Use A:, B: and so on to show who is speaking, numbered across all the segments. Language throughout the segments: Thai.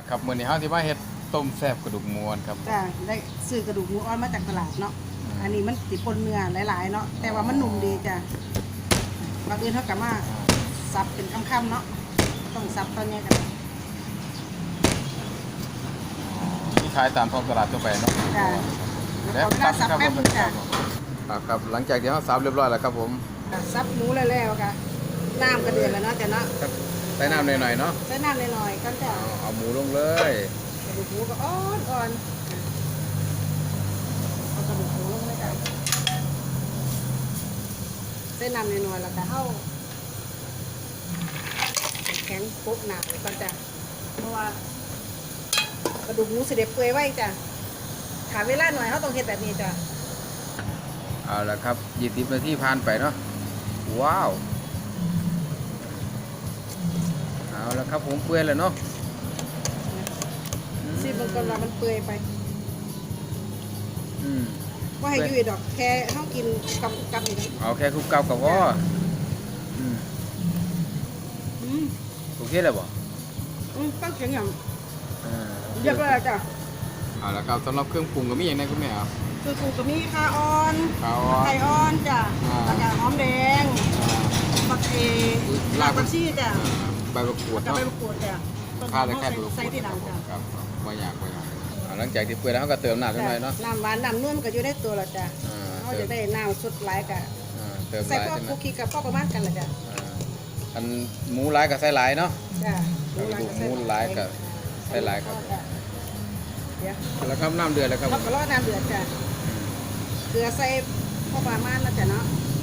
A: ครับมื้อนี้เฮาสิมาเฮ็ดต้มแซ่บกระดูกหมูครับ
B: จ้ะได้ซื้อกระดูกหมูอ่อนมาจากตลาดเนาะอันนี้มันติดปนเนื้อหลายๆเนาะแต่ว่ามันนุ่มดีจ้ะบางอื่นเขากะมาซับเป็นคำๆเนาะต้องซับตอนนี้กัน
A: ที่ขายตามท้องตลาดทั่วไปเนาะ
B: จ้ะแล้วก็ซับแป๊บนึงจ้ะ
A: ครับหลังจากที่เฮาซับเรียบร้อยแล้วครับผม
B: ซับหมูแล้วๆค่ะน้ำกระเดือนแล้วเนาะจ้ะเนาะ
A: ใส่น้ำหน่อยๆเนาะ
B: ใส่น้ำหน่อยๆก็จะ
A: เอาหมูลงเลย
B: กระดูกหมูก็อ่อนเอากระดูกหมูลงเลยจ้ะใส่น้ำหน่อยๆแล้วก็เข้าแข็งปุ๊บหนาเลยก่อนจ้ะเพราะว่ากระดูกหมูเสด็จเปื่อยไว้จ้ะถามเวลาหน่อยเขาต้องเฮ็ดแบบนี้จ้ะ
A: เอาละครับ20นาทีผ่านไปเนาะว้าวเอาละครับผมเปื่อยแล้วเนาะ
B: ซีบางคนว่ามันเปื่อยไป
A: อืม
B: ว่าให้ยุ่ยดอกแค่เขากินกับนี่นะ
A: เอาแค่คลุกเกากับพออืม
B: อืม
A: โอเคแล้วบ่
B: ตั้งเสียงอย่าง
A: อ่า
B: เรียบร้อยแล้วจ้ะ
A: เอาละครับสำหรับเครื่องปรุงก็มีอย่างไรคุณแม่ครับ
B: คือปูกระมีข่าอ่อน
A: ข้าวอ่อน
B: ไข่อ่อนจ้ะ แล้วก็หอมแดงผักรากผักชีจ้ะ
A: ใบมะกรูด
B: กับ
A: เนาะ
B: ใบมะกรูดจ้ะ
A: ข้าวแต่แค่ใบมะก
B: ใส่
A: รูด
B: ที่หลังจ้ะ
A: ครับไม่อยากหลังจากที่เปื่อยแล้วเขาก็เติมน้ำนิดหน่อยเนาะ
B: น้ำหวานน้ำนุ่มก็อยู่ในตัวแล้วจ้ะ เขาจะได้น้ำสุดหลายกะ
A: เติมห
B: ใส่
A: ลาย
B: พวก
A: ใช่ไหม
B: คุกกี้กับพ่อประมาณกันแหละจ้ะ
A: อันหมูหลายกับใส่หลายเนาะ
B: จ้ะ
A: หมูหลายกับใส่หลายครับ
B: เดี๋ยว
A: แล้วครับน้ำเดือดแล้วครับ
B: เราก็รอน้ำเดือดจ้ะเกลือใส่พ่อประมาณนะจ้ะเนาะ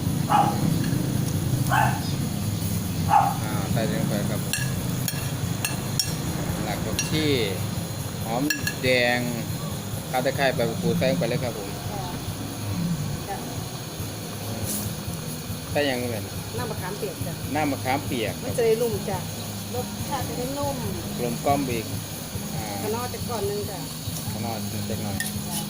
A: ใส่ลงไปครับหลักผักชีหอมแดงข้าวตะไคร้ใบมะกรูดใส่ลงไปเลยครับผม
B: จ้ะ
A: ใส่ยังไง
B: น้ำมะขามเปียกจ้ะ
A: น้ำมะขามเปียก
B: มันจะได้นุ่มจ้ะรสชาติจะได้นุ่ม
A: กลมกล่อมอีก
B: กระนอจะก่อนนึงจ้ะ
A: ข้างนอกเล็กหน่อย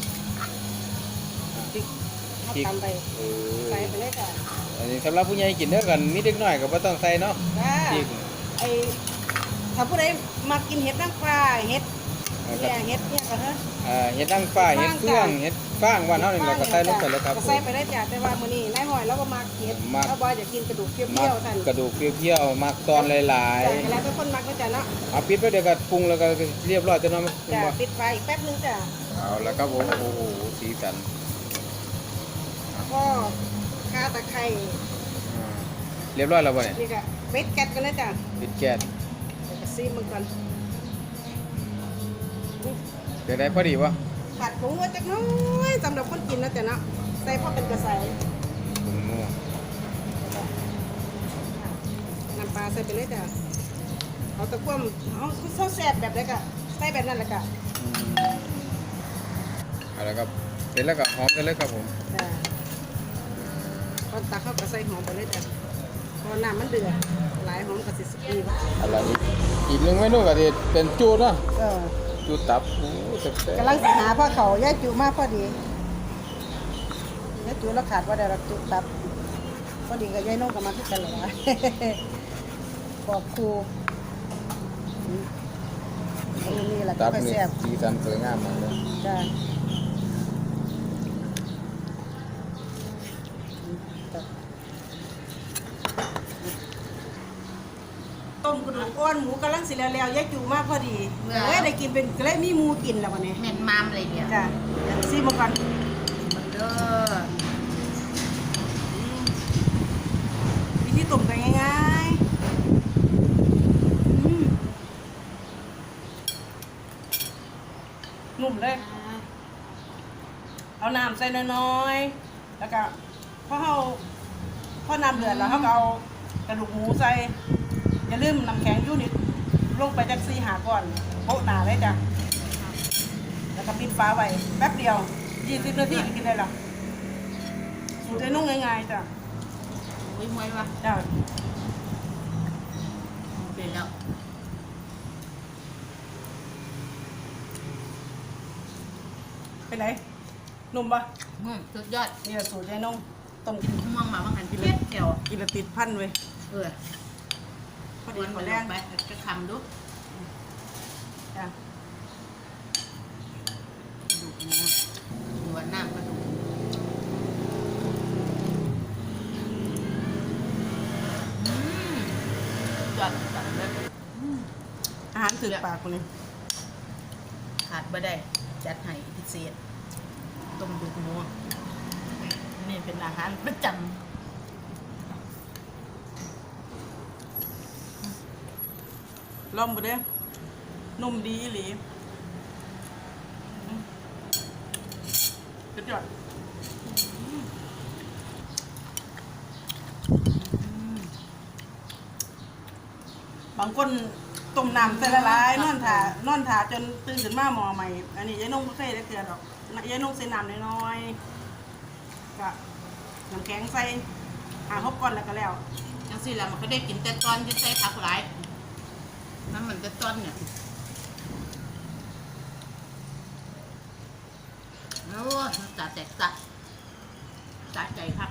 B: พริกเขาตำไปใส่ไปเลยจ้ะ
A: อันนี้สำหรับผู้ใหญ่กินเด้อกันมีเด็กน้อยก็บ่ต้องใส่เนาะ
B: จ้ะ
A: พริก
B: ไอถ้าผู้ใดมากินเห็ดนางฟ้าเห็ดเนี่ยเห็ดเนี่ยก็เถอะ
A: เห็ดนางฟ้าเห็ดเฟืองเห็ดฟางว่านเฮานี่เราก็ใส่ลงไปเลยครับ
B: ก็ใส่ไปได้จ้ะแต่ว่ามื้อนี้นายหอยเราก็มาเห็ดเราบ่อยจะกินกระดูกเป
A: มั
B: รี้
A: ก
B: ยวๆท่าน
A: กระดูกเปรี้ยวๆมักตอนหลาย
B: จ้ะแล้วเป็นคนมักนะจ้ะเนาะ
A: ๆเอาปิดไว้เดี๋ยวก็ปรุงแล้วก็เรียบร้อยจะเนาะ
B: จ้ะปิดไฟอีกแป๊บนึงจ้ะ
A: เอาแล้วครับผมโอ้โหสีสัน
B: ก็ข่าตะไคร้
A: เรียบร้อยแล้วบ่เนี่ย
B: นี่ก็เม็ดแก๊สกันเลยจ้ะ
A: ปิดแก๊ส
B: เดี๋ยวก็ซีมันก่อน
A: เดี๋ยวได้พอดีวะ
B: ผัดผงไว้จักหน้อยสำหรับคนกินนะจ้ะเนาะใส่พอเป็นกระใส
A: ผงนัว
B: น้ำปลาใส่ไปเลยจ้ะเอาตะกั่วเอาข้าวแซ่บแบบไหนก็ใส่แบบนั้นแหละจ้ะ
A: เอาละครับเสร็จแล้วก็หอมกันเลยครับผม
B: จ้ะตอนตักเข้าก็ใส่หอมไปเลยจ้ะพอน้ำมันเดือดหลายหอมกับสิสกี
A: อะไรอีกหนึ่งเมนูก็จะเป็นจูดเนาะ
B: เออ
A: จูดตับโอ้แซ่บ
B: กำลังสิหาพ่อเขาย่าจูมากพอดีย่าจูแล้วขาดว่าได้รับจูตับพอดีกับยายน้องก็มาที่กันเลยบอกครูนี่แหละ
A: ๆ
B: ก็
A: ตับ
B: ไป
A: นี่
B: แซ่บ
A: สีสันสวยงามมากเลย
B: จ้ะต้มกระดูกอ่อนหมูกำลังสิแล้วๆยายจูมากพอดีได้กินเป็นก็เลยมีหมูกินแล้ววันนี้
C: แม่นมามเลยเนี่ย
B: จ้ะซีมาก่อน
C: มันเด้อ
B: วิธีต้มกันง่ายๆนุ่มเลย เอาน้ำใส่น้อยๆแล้วก็พอน้ำเดือดแล้วเขาก็เอากระดูกหมูใส่อย่าลืมน้ำแข็งยูนิตลงไปจาก4-5ก่อนโปะหนาเลยจ้ะแล้วก็ปิดฝาไว้แป๊บเดียว20 นาทีก็กินได้แล้วสูตรนุ่งง่ายๆจ้ะ
C: อุ้ยมวยวะ
B: จ้ะ
C: เป็นแล้ว
B: เป็นไรนุ่มปะ
C: สุดยอด
B: นี่แหละสูตรยายนุ่งต้ม
C: ม่วงมาบางหันกินเลยเจียว
B: กินและติดพันเว้ย
C: เออ
B: พอ
C: ค
B: ดี
C: น
B: หม
C: มา
B: ด
C: แร
B: แรง
C: งไปจะคำดู
B: จ้ะกระดูกหมู
C: หัวน้ำกระดูกยอดจัดเลย
B: อาหารถือปากคนนี้
C: ขาดบ่ได้จัดให้พิเศษต้มดูกหมูนี่เป็นอาหารประจ
B: ลองไปเด้อนุ่มดีอีหลีกระจอดบางคนต้มน้ำใส่ละลายนอนถ่าจนตื่นขึ้นมาหมอใหม่ อันนี้ยายนุ่งไม่เคยได้เกลือดอกยายนุ่งใส่น้ำน้อยๆก็น้ำแข็งใส่หกก้อนแล้วก็แล้ว
C: ำจังสิแล้วมันก็ได้กินแต่ตอนที่ใส่ผักหลายน้ำมันแต่ตอนเนี่ยโอ้ยจัดแตกจัดจัดใจครับ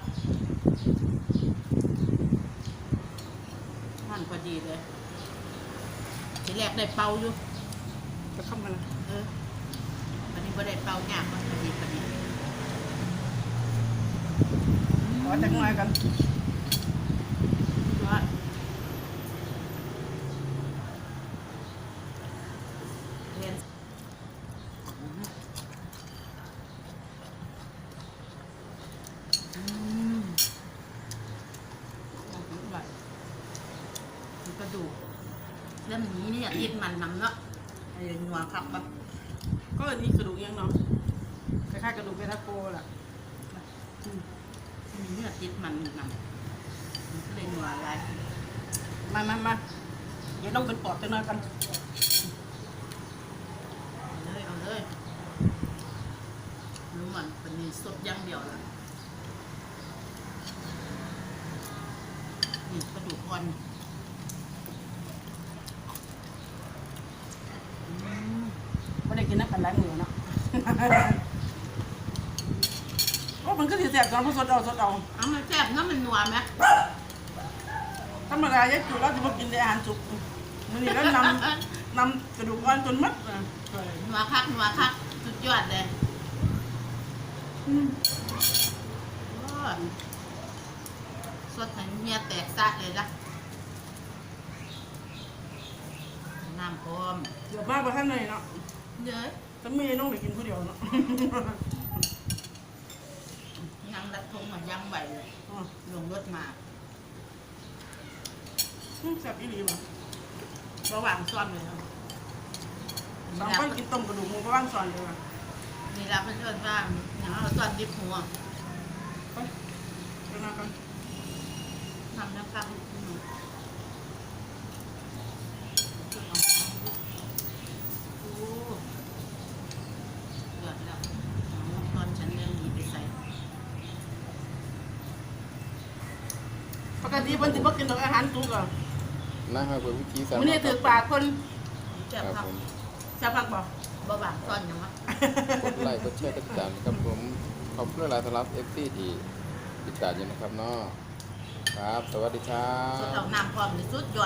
C: มันพอดีเลยทีแรกได้เป่าอยู่
B: จะเข้ามาเลย
C: วันนี้บ่ได้เป่าหยาบมันพอดีพอดี
B: ขอจักหน่อยกัน
C: ว่าเรียนมันกระดูกเรื่องนี้เนี่ยยิดมันนำเนาะไอ้หัวครับแบบ
B: ก็อันนี้กระดูกยังเนาะคล้ายๆกระดูกเบทาโกแหละ
C: มีเนื้อติดมันนำมันก็เลยหัวอะไร
B: มาเดี๋ยวต้องเป็นปอดจักหน่อยกัน
C: เอาเลยรู้มันเป็นสดอย่างเดียวละนี่กระดูกอ่อน
B: ไม่ได้กินน้ำกันหลายมื้อเนาะ โอ้มันก็สิแซ่บตอนพอสดเอา
C: เอามันแซ่บเนาะมันนัวไหม
B: ธรรมดายายจุเราจะมากินแต่อาหารสุกมื้อนี้แล้วนำกระดูกอ่อนจนหมดอ่ะ
C: นัวคักสุดยอดเลยโอ้ยสดให้เมียแตกซะเลยละน้ำพร้อม
B: เดี๋ยวมาบ่ทันเลยเนาะ
C: เยอะ
B: ถ้ามีน้องได้กินผู้เดียวเนาะ
C: ยังรัดทงมายังไหวเลย
B: อ๋อ
C: ลงรถมา
B: แซ่บอีหลีบ่
C: ระหว่างซ่อมเลยเนาะ
B: สองคนกินต้มกระดูกหมูก็ว่างสอนเลยว่ะ
C: นี่รับเพื่อนว่าอย่างเราซ่อนดิบหัว
B: ไปเดี๋ยวมากัน
C: ทำน้ำปลาโอ้เดือดแล้วตอนฉันยังหนีไปใส่
B: ปกติเพิ่นสิบ่กินดอกอาหารสุกอ่ะ
A: นะครับเป็นวิธีสา
B: มื้อนี้ถือปากคน
C: เจ็บ
A: ครับ
C: ผัก
A: ผม
B: แซ่บผักบ่
C: บ่บางซ่อนยังวะ
A: กดไลค์กดแชร์กดติดตามครับผมขอบคุณหลายๆสำหรับ FC ที่ติดตามอยู่นะครับเนาะครับ สวัสดีครั
C: สุด
A: บ
C: เอาน้ำพร้อมในสุดยอด